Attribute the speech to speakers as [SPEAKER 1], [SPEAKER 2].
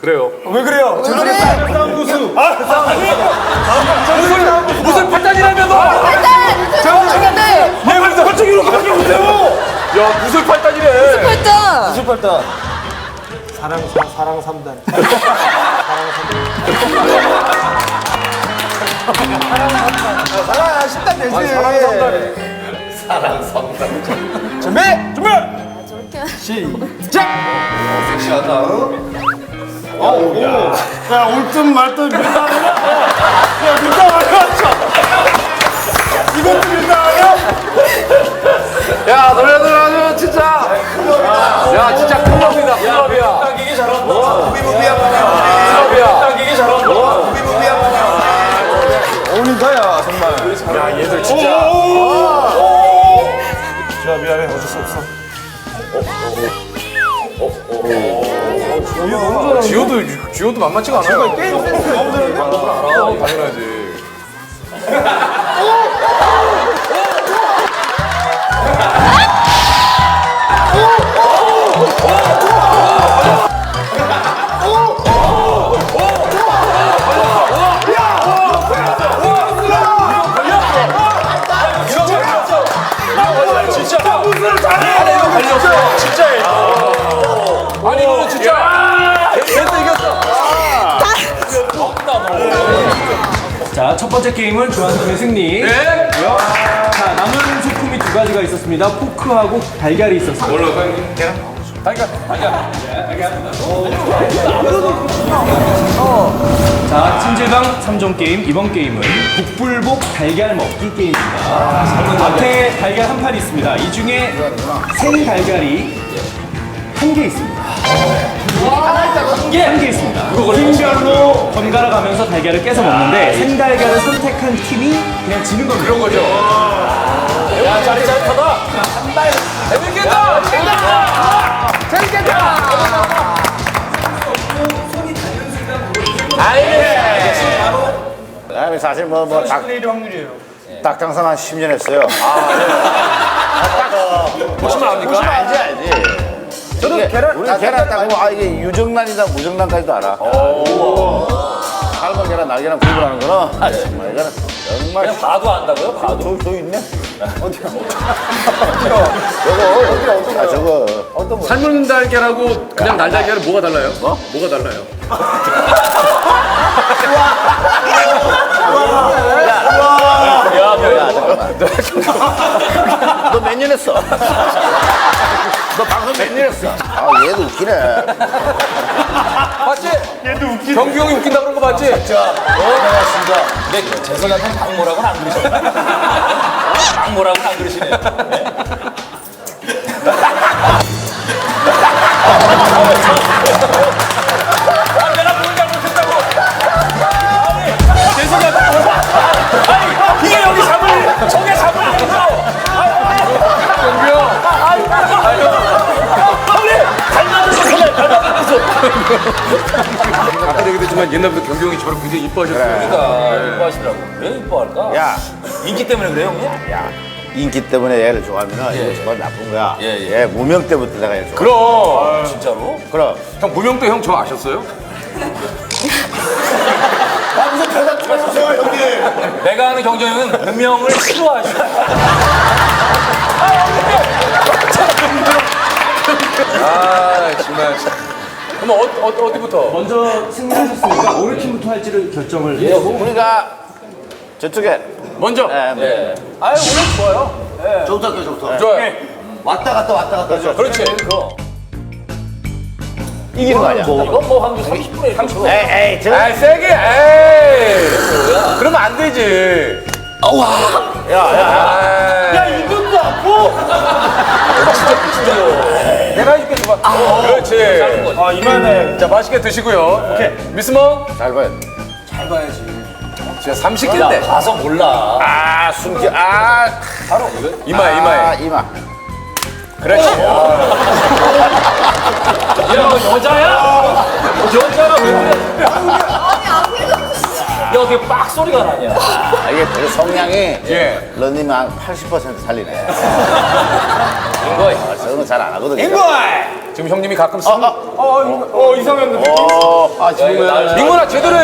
[SPEAKER 1] 그래요.
[SPEAKER 2] 왜 그래요? 싸움 고수.
[SPEAKER 1] 무슨 팔단이라며 너!
[SPEAKER 2] 얘 그래서 헐쩍이로 가지 못해요.
[SPEAKER 1] 야 무슨 팔단이래!
[SPEAKER 3] 팔단.
[SPEAKER 2] 무슨 팔단? 사랑 3단. 사랑 10단 되지.
[SPEAKER 1] 사랑 3단.
[SPEAKER 2] 준비.
[SPEAKER 3] 저렇게.
[SPEAKER 2] 시작.
[SPEAKER 1] 섹시하다.
[SPEAKER 2] 야, 올든 말든 밀당 아니야? 야, 밀당 아니야? 이것도 밀당 아니야?
[SPEAKER 1] 야 너네들 아주 진짜. 야 진짜 클럽이다 클럽이야.
[SPEAKER 2] 당기기 잘한다.
[SPEAKER 1] 클럽이야.
[SPEAKER 2] 당기기 잘한다. 어울린다야, 정말.
[SPEAKER 1] 야 얘들 진짜.
[SPEAKER 2] 자, 미안해. 어쩔 수 없어.
[SPEAKER 1] 지효도 만만치가 않아요.
[SPEAKER 2] 게임 센스 너무 잘하는데?
[SPEAKER 1] 알아 당연하지. 아니 이거는 진짜 됐어 이겼어.
[SPEAKER 4] 자, 첫 번째 게임은 주한팀의 승리.
[SPEAKER 1] 네?
[SPEAKER 4] 자, 남은 소품이 두 가지가 있었습니다. 포크하고 달걀이 있었습니다.
[SPEAKER 1] 뭘로 계란? 달걀.
[SPEAKER 4] 자, 찜질방 3종 게임. 이번 게임은 북불복 달걀 먹기 게임입니다. 앞에 달걀 한 판이 있습니다. 이 중에 생 달걀이 한 개 있습니다. 한 개 있습니다. 팀별로 번갈아 가면서 달걀을 깨서 먹는데 생 달걀을 선택한 팀이 그냥 지는 겁니다.
[SPEAKER 1] 그런 거죠. 야 자리 잘 타다. 한발 재밌겠다. 재밌겠다.
[SPEAKER 5] 아니 사실
[SPEAKER 2] 확률이에요.
[SPEAKER 5] 닭장사 한 10년 했어요.
[SPEAKER 1] 보시면 압니까?
[SPEAKER 5] 알지. 저도 우리 계란 따고 이게 유정란이다 무정란까지도 알아. 삶은 계란 날계란 구분하는 거는 정말 이거는 정말
[SPEAKER 1] 그냥 봐도 안다고요? 봐도.
[SPEAKER 5] 저 있네. 어디야? 저거 저거 어떤 거?
[SPEAKER 1] 삶은 달걀하고 그냥 날달걀은 뭐가 달라요? 뭐가 달라요?
[SPEAKER 5] 야 잠깐만. 너 몇 년 했어? 너 방송 몇 년 했어? 얘도 웃기네.
[SPEAKER 1] 맞지? 얘도 웃기. 경규 형이 웃긴다 그런 거 맞지?
[SPEAKER 6] 고맙습니다. 근데 재석이한테 박모라고는 안 그러시네. 박모라고는 안 그러시네. 아, 내가 뭘 잘못했다고. 아니, 재석이한테 아니, 이게 여기 잡을, 저게 잡을 여기서.
[SPEAKER 1] 경규 형.
[SPEAKER 6] 형님, 닮아줘서 그래, 닮아줘서.
[SPEAKER 1] 아까 얘기도 했지만 옛날부터 경규 형이 저를 굉장히 이뻐하셨어요.
[SPEAKER 6] 그러니까 이뻐하시더라고. 왜 이뻐할까?
[SPEAKER 5] 야,
[SPEAKER 6] 인기 때문에 그래요, 형님?
[SPEAKER 5] 야. 인기 때문에 얘를 좋아하면 이거 정말 나쁜 거야. 얘 무명 때부터 내가 얘를 좋아해.
[SPEAKER 1] 그럼.
[SPEAKER 6] 진짜로?
[SPEAKER 5] 그럼.
[SPEAKER 1] 형 무명 때 형 저 아셨어요?
[SPEAKER 5] 무슨 대답 좀 해주세요, 형님.
[SPEAKER 6] 내가 아는 경정형은 무명을 싫어하시고.
[SPEAKER 1] 아 정말. 그럼 어디부터?
[SPEAKER 4] 먼저 승리하셨으니까 어느 팀부터 할지를 결정을 해요.
[SPEAKER 5] 우리가 저쪽에
[SPEAKER 1] 먼저.
[SPEAKER 5] 네.
[SPEAKER 6] 아유, 오늘 좋아요.
[SPEAKER 5] 저부터.
[SPEAKER 1] 좋아요.
[SPEAKER 5] 왔다 갔다.
[SPEAKER 1] 그렇지.
[SPEAKER 5] 이기는 거 아니야?
[SPEAKER 6] 이건 뭐 한두 30분에 30분.
[SPEAKER 5] 에이, 저.
[SPEAKER 1] 에이 세게. 에이. 그러면 안 되지.
[SPEAKER 5] 야.
[SPEAKER 1] 이것도 아파. 내가 해줄게 줘봐. 그렇지.
[SPEAKER 2] 이만해.
[SPEAKER 1] 자 맛있게 드시고요. 오케이. 미스먼
[SPEAKER 5] 잘 봐요.
[SPEAKER 1] 진짜 30개인데.
[SPEAKER 6] 가서 몰라.
[SPEAKER 5] 아, 숨기.
[SPEAKER 1] 바로 이마에.
[SPEAKER 5] 이마.
[SPEAKER 1] 그렇지.
[SPEAKER 6] 야, 여자야? 여자가 왜 그래? 야, 어떻게 빡 소리가 나냐?
[SPEAKER 5] 이게 되게 성량이
[SPEAKER 1] 예.
[SPEAKER 5] 런닝 한 80% 살리네.
[SPEAKER 6] 인거이.
[SPEAKER 5] 저는 잘 안 하거든요.
[SPEAKER 2] 인거이!
[SPEAKER 1] 지금 형님이 가끔 쓰는
[SPEAKER 2] 이상했는데.
[SPEAKER 5] 아, 정말.
[SPEAKER 1] 민구나 제대로